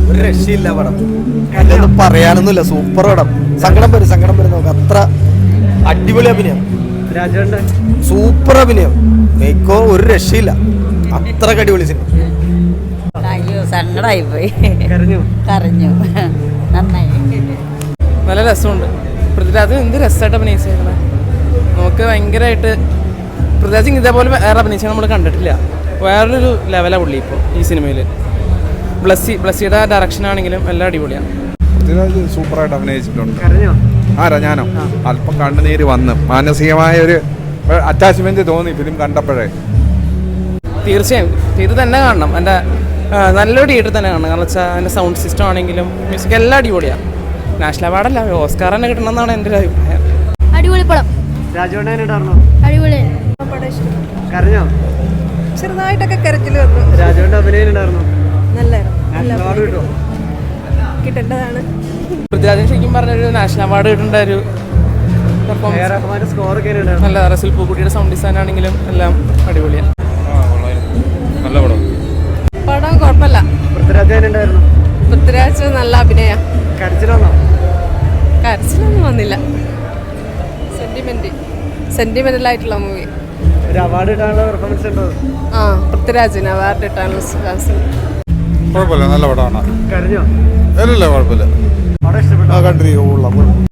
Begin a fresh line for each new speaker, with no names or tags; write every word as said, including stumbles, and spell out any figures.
ഒരു രക്ഷയില്ല പടം. അതൊന്നും പറയാനൊന്നുമില്ല. സൂപ്പർ പടം. സങ്കടം വരും സങ്കടം വരും നമുക്ക്. അത്ര അടിപൊളി അഭിനയം. സൂപ്പർ അഭിനയം. മേക്കോ ഒരു രക്ഷയില്ല. അത്ര അടിപൊളി സിനിമ.
അയ്യോ സങ്കടമായി പോയി. കരഞ്ഞു കരഞ്ഞു നന്നായി.
നല്ല രസമുണ്ട്. പൃഥ്വിരാജ് എന്ത് രസമായിട്ട് അഭിനയിച്ചേക്കണേ. നമുക്ക് ഭയങ്കരമായിട്ട് പൃഥ്വിരാജ് ഇതേപോലെ വേറെ അഭിനയിച്ചാൽ നമ്മൾ കണ്ടിട്ടില്ല. വേറൊരു ലെവലാണ് പുള്ളി ഇപ്പോൾ ഈ സിനിമയിൽ. ബ്ലസ്സി ബ്ലസ്സിയുടെ ഡയറക്ഷൻ ആണെങ്കിലും എല്ലാം അടിപൊളിയാണ്.
പൃഥ്വിരാജ് സൂപ്പറായിട്ട് അഭിനയിച്ചിട്ടുണ്ട്. ആരാ ഞാനോ? അല്പം കണ്ണുനീര് വന്ന് മാനസികമായ ഒരു അറ്റാച്ച്മെന്റ് തോന്നി ഫിലിം കണ്ടപ്പോഴേ.
തീർച്ചയായും ഇത് തന്നെ കാണണം. എൻ്റെ നല്ലൊരു തിയേറ്റർ തന്നെ കാണണം. കാരണം വെച്ചാൽ അതിൻ്റെ സൗണ്ട് സിസ്റ്റം ആണെങ്കിലും മ്യൂസിക് എല്ലാം അടിപൊളിയാണ്. നാഷണൽ അവാർഡല്ല, ഓസ്കാർ തന്നെ കിട്ടണമെന്നാണ് എൻ്റെ ഒരു അഭിപ്രായം.
അടിപൊളി പടം. അടിപൊളി.
കരഞ്ഞോ?
ചെറുതായിട്ടൊക്കെ കരച്ചിൽ വന്നു.
രാജുവിന്റെ അഭിനയം ഉണ്ടായിരുന്നു.
നല്ലായിരുന്നു. കിട്ടേണ്ടതാണ്.
പൃഥ്വിരാജിന് ശരിക്കും പറഞ്ഞൊരു നാഷണൽ അവാർഡ് കിട്ടേണ്ട ഒരു പെർഫോമൻസ്.
സ്കോർ ഒക്കെ
നല്ല റസൽ പൂക്കുട്ടിയുടെ സൗണ്ട് ഡിസൈൻ ആണെങ്കിലും എല്ലാം അടിപൊളിയാണ്.
നല്ല പടം.
പടം കുഴപ്പമില്ല.
പൃഥ്വിരാജ് ഉണ്ടായിരുന്നു.
പൃഥ്വിരാജ് നല്ല അഭിനയ.
കരച്ചിലാണോ?
കരച്ചിലൊന്നും വന്നില്ല. സെന്റിമെന്റ് സെന്റിമെന്റൽ ആയിട്ടുള്ള മൂവി.
ഒരു അവാർഡ് കിട്ടാനുള്ള പെർഫോമൻസ് ഉണ്ടോ?
ആ പൃഥ്വിരാജിന് അവാർഡ് കിട്ടാനുള്ള ചാൻസ്.
കുഴപ്പമില്ല, നല്ല പടമാണ്.
കരഞ്ഞോ?
അല്ലല്ല കുഴപ്പമില്ല.
പടം ഇഷ്ടപ്പെട്ടോ?
കണ്ടിരിക്കും.